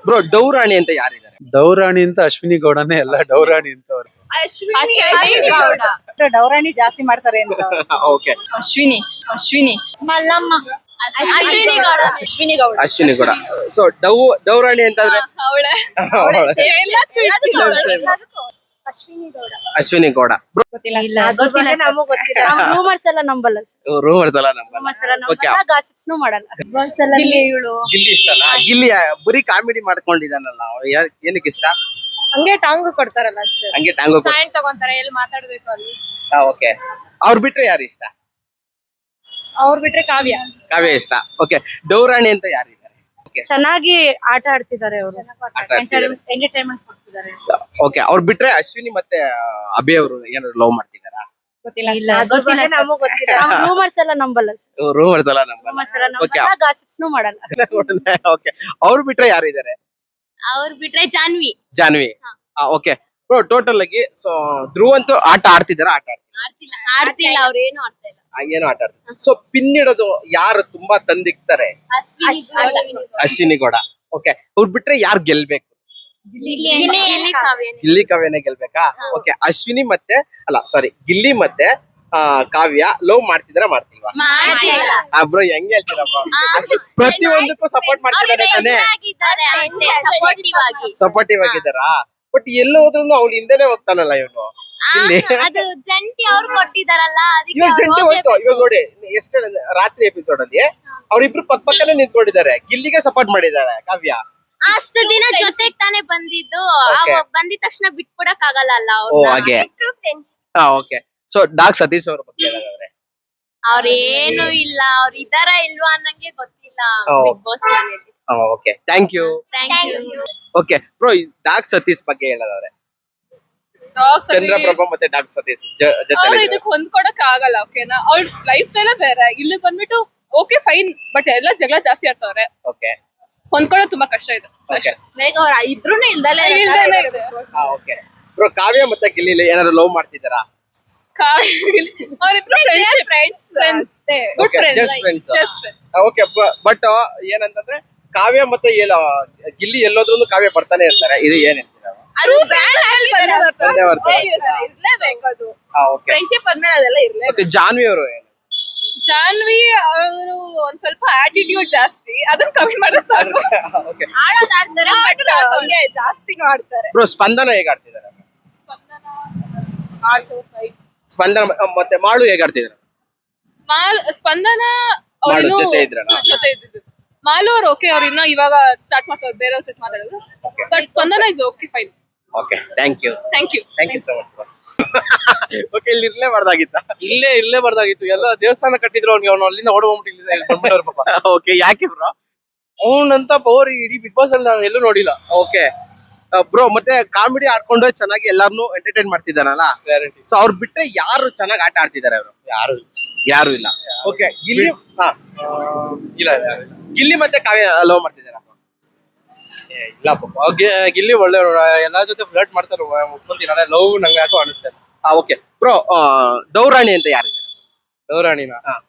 Bro ಡೌರಾಣಿ ಅಂತ ಯಾರಿದ್ದಾರೆ? ಡೌರಾಣಿ ಅಂತ ಅಶ್ವಿನಿ ಗೌಡನೇ ಎಲ್ಲ ಡೌರಾಣಿ ಅಂತ ಅವ್ರು. ಡೌರಾಣಿ ಜಾಸ್ತಿ ಮಾಡ್ತಾರೆ ಅಂತ. ಓಕೆ ಅಶ್ವಿನಿ ಮಲ್ಲಮ್ಮ ಅಶ್ವಿನಿ ಗೌಡ ಅಶ್ವಿನಿ ಗೌಡ. ಸೊ ಡೌರಾಣಿ ಅಂತಂದ್ರೆ ಅಶ್ವಿನಿ ಗೌಡ. ರೂಮರ್ಸ್ ಎಲ್ಲ ನಂಬಲ್ಲ ರೂಮರ್ಸ್ ಎಲ್ಲ ಓಕೆ. ಗಿಲ್ಲಿ ಇಷ್ಟಲ್ಲ? ಗಿಲ್ಲಿ ಬರೀ ಕಾಮಿಡಿ ಮಾಡ್ಕೊಂಡಿದ್ದಾನಲ್ಲ, ಏನಕ್ಕೆ ಇಷ್ಟ? ಹಂಗೆ ಟಾಂಗು ಕೊಡ್ತಾರಲ್ಲ ಹಂಗೆ ಟ್ಯಾಂಗೋ. ಸ್ಟ್ಯಾಂಡ್ ತಗೊಂತಾರೆ, ಎಲ್ಲಿ ಮಾತಾಡ್ಬೇಕು ಅಲ್ಲಿ. ಓಕೆ. ಅವ್ರು ಬಿಟ್ರೆ ಯಾರು ಇಷ್ಟ? ಅವ್ರು ಬಿಟ್ರೆ ಕಾವ್ಯ ಇಷ್ಟ. ಓಕೆ. ಡೌರಾಣಿ ಅಂತ ಯಾರಿದ್ದಾರೆ? ಚೆನ್ನಾಗಿ ಆಟ ಆಡ್ತಿದ್ದಾರೆ ಅವರು, ಎಂಟರ್ಟೈನ್ಮೆಂಟ್ ಕೊಡ್ತಿದ್ದಾರೆ. ಓಕೆ. ಅವ್ರು ಬಿಟ್ರೆ ಅಶ್ವಿನಿ ಮತ್ತೆ ಅಭಿ ಅವರು ಏನಾದ್ರು ಲವ್ ಮಾಡ್ತಿದಾರಾ? ರೂಮರ್ಸ್ ಎಲ್ಲ ನಂಬಲ್ಲ ರೂಮರ್ಸ್ ಎಲ್ಲ ಓಕೆ. ಗಾಸಿಪ್ಸ್ ಮಾಡಲ್ಲ. ಓಕೆ. ಅವ್ರು ಬಿಟ್ರೆ ಯಾರಿದ್ದಾರೆ? ಅವ್ರು ಬಿಟ್ರೆ ಜಾನ್ವಿ. ಓಕೆ ಬ್ರೋ, ಟೋಟಲ್ ಆಗಿ ಸೊ ಧ್ರುವ್ ಅಂತೂ ಆಟ ಆಡ್ತಿದಾರ? ಆಡ್ತಿಲ್ಲ, ಅವ್ರು ಏನು ಆಡ್ತಾ ಇಲ್ಲ. ಏನು ಆಟ ಆಡ್ತಾರೆ? ಸೊ ಪಿನ್ ಇಡೋದು ಯಾರು ತುಂಬಾ ತಂದಿಕ್ತಾರೆ? ಅಶ್ವಿನಿ ಗೌಡ. ಓಕೆ. ಅವ್ರು ಬಿಟ್ರೆ ಯಾರು ಗೆಲ್ಬೇಕು? ಗಿಲ್ಲಿ ಕಾವ್ಯನೇ ಗೆಲ್ಬೇಕಾ? ಓಕೆ. ಅಶ್ವಿನಿ ಮತ್ತೆ ಗಿಲ್ಲಿ ಮತ್ತೆ ಕಾವ್ಯ ಲವ್ ಮಾಡ್ತಿಲ್ವಾ? ಬ್ರೋ ಹೆಂಗ್ ಹೇಳ್ತೀರಾ ಬ್ರೋ? ಪ್ರತಿಯೊಂದಕ್ಕೂ ಸಪೋರ್ಟ್ ಮಾಡ್ತಿದ್ದಾರೆ ತಾನೇ? ಸಪೋರ್ಟಿವ್ ಆಗಿದ್ದಾರಾ? ಬಟ್ ಎಲ್ಲ ಹೋದ್ರು ಅವ್ಳು ಹಿಂದೆನೆ ಹೋಗ್ತಾನಲ್ಲ ಇವನು. ಅದು ಜಂಟಿ ಅವ್ರು ಕೊಟ್ಟಿದಾರಲ್ಲ, ಇವಾಗ ಜಂಟಿ ಹೋಯ್ತು. ಇವಾಗ ನೋಡಿ ಎಷ್ಟು ರಾತ್ರಿ ಎಪಿಸೋಡ್ ಅಲ್ಲಿ ಅವ್ರಿಬ್ರು ಪಕ್ಕನೆ ನಿಂತ್ಕೊಂಡಿದ್ದಾರೆ, ಗಿಲ್ಲಿಗೆ ಸಪೋರ್ಟ್ ಮಾಡಿದ್ದಾರೆ ಕಾವ್ಯ. ಅಷ್ಟು ದಿನ ಜೊತೆಗ್ ತಾನೇ ಬಂದಿದ್ದು, ಬಂದಿದ ತಕ್ಷಣ ಬಿಟ್ಕೊಡಕ್ ಆಗಲ್ಲ ಅಲ್ಲ. ಹಾಗೆ. ಓಕೆ. ಸೊ ಡಾಗ್ ಸತೀಶ್ ಅವ್ರ ಬಗ್ಗೆ ಹೇಳೋದಾದ್ರೆ? ಅವ್ರೇನು ಇಲ್ಲ, ಅವ್ರು ಇದಾರ ಇಲ್ವಾ ಅನ್ನಂಗೆ ಗೊತ್ತಿಲ್ಲ ಬಿಗ್ ಬಾಸ್ ಮನೇಲಿ. Okay. Thank you. Okay bro, dog Satish ಬಗ್ಗೆ ಹೇಳೋದಾದ್ರೆ? ಚಂದ್ರಪ್ರಭಾ ಮತ್ತೆ ಡಾಗ್ ಸತೀಶ್ ಜೊತೆ ಇದಕ್ಕೆ ಹೊಂದ್ಕೊಡಕ್ ಆಗಲ್ಲ. ಓಕೆನಾ? ಅವ್ರ ಲೈಫ್ ಸ್ಟೈಲ್ ಬೇರೆ, ಇಲ್ಲಿ ಬಂದ್ಬಿಟ್ಟು ಓಕೆ ಫೈನ್, ಬಟ್ ಎಲ್ಲ ಜಗಳ ಜಾಸ್ತಿ ಆಡ್ತವ್ರೆ. ಓಕೆ. ಹೊಂದ್ಕೊಳ್ಳೋದು ತುಂಬಾ ಕಷ್ಟ ಇದೆ. ಇದ್ರೂನು ಇಲ್ದಲೇ ಇದೆ. ಓಕೆ ಬ್ರೋ, ಕಾವ್ಯ ಮತ್ತೆ ಗಿಲ್ಲಿ ಏನಾದ್ರು ಲವ್ ಮಾಡ್ತಿದ್ದಾರಾ? ಅವರಿಬ್ರು friends, good friends. Okay. But ಏನಂತಂದ್ರೆ ಕಾವ್ಯ ಮತ್ತೆ ಗಿಲ್ಲಿ ಎಲ್ಲೋದ್ರೂ ಕಾವ್ಯ ಬರ್ತಾನೆ ಇರ್ತಾರೆ, ಇದು ಏನ್ ಹೇಳ್ತೀರಾ? ಜಾನ್ವಿ ಅವರು ಜಾನ್ವಿ ಅವರು ಒಂದ್ ಸ್ವಲ್ಪ ಆಟಿಟ್ಯೂಡ್ ಜಾಸ್ತಿ, ಅದನ್ನ ಕಮ್ಮಿ ಮಾಡಿದ್ರೆ ಸಾಕು. ಜಾಸ್ತಿನೂ ಆಡ್ತಾರೆ. ಬ್ರೋ ಸ್ಪಂದನ ಹೇಗ್ ಆಡ್ತಿದ್ದಾರೆ? ಸ್ಪಂದನ ಮತ್ತೆ ಮಾಳು ಹೇಗ್ ಆಡ್ತಿದ್ದಾರೆ? ಸ್ಪಂದನ ಜೊತೆ ಇದ್ರಲ್ಲ? ಜೊತೆ ಇದ್ದಿದ್ದು. ಮಾಲು ಅವ್ರು ಓಕೆ, ಅವ್ರು ಇನ್ನ ಇವಾಗ ಸ್ಟಾರ್ಟ್ ಮಾಡ್ತಾರೆ ಬೇರೆಯವ್ರ ಜೊತೆ ಮಾತಾಡೋದು. But Spandana is okay fine. Okay. Thank you so much. Okay. ಇಲ್ಲಿ ಇರ್ಲೇ ಬರ್ದಾಗಿತ್ತು. ಎಲ್ಲ ದೇವಸ್ಥಾನ ಕಟ್ಟಿದ್ರು ಅವ್ನಿಗೆ, ಅವ್ನು ಅಲ್ಲಿಂದ ಓಡ್ಕೊಂಡ್ಬಿಟ್ಟಿಲ್ಲ ಪಾಪ. ಓಕೆ. ಯಾಕೆ ಬ್ರೋ? ಅವನಂತ ಪವರ್ ಇಡೀ ಬಿಗ್ ಬಾಸ್ ಅಲ್ಲಿ ನಾನು ಎಲ್ಲೂ ನೋಡಿಲ್ಲ. ಓಕೆ ಬ್ರೋ, ಮತ್ತೆ ಕಾಮಿಡಿ ಆಡ್ಕೊಂಡು ಚೆನ್ನಾಗಿ ಎಲ್ಲಾರನು ಎಂಟರ್ಟೈನ್ ಮಾಡ್ತಿದ್ದಾನಲ್ಲ, ಸೊ ಅವ್ರು ಬಿಟ್ರೆ ಯಾರು ಚೆನ್ನಾಗಿ ಆಟ ಆಡ್ತಿದ್ದಾರೆ? ಅವರು ಯಾರು ಇಲ್ಲ. ಓಕೆ. ಗಿಲ್ಲಿ ಮತ್ತೆ ಕಾವ್ಯ ಲವ್ ಮಾಡ್ತಿದ್ದಾರ? ಇಲ್ಲ ಪಾಪ, ಗಿಲ್ಲಿ ಒಳ್ಳೆ ಎಲ್ಲಾ ಜೊತೆ ಫ್ಲರ್ಟ್ ಮಾಡ್ತಾರೆ, ಒಪ್ಕೊಂತೀನಿ. ಲವ್ ನಂಗೆ ಯಾಕೋ ಅನಿಸ್ತದೆ. ಓಕೆ ಬ್ರೋ, ಡೌರಾಣಿ ಅಂತ ಯಾರಿದ್ದಾರೆ? ಡೌರಾಣಿನ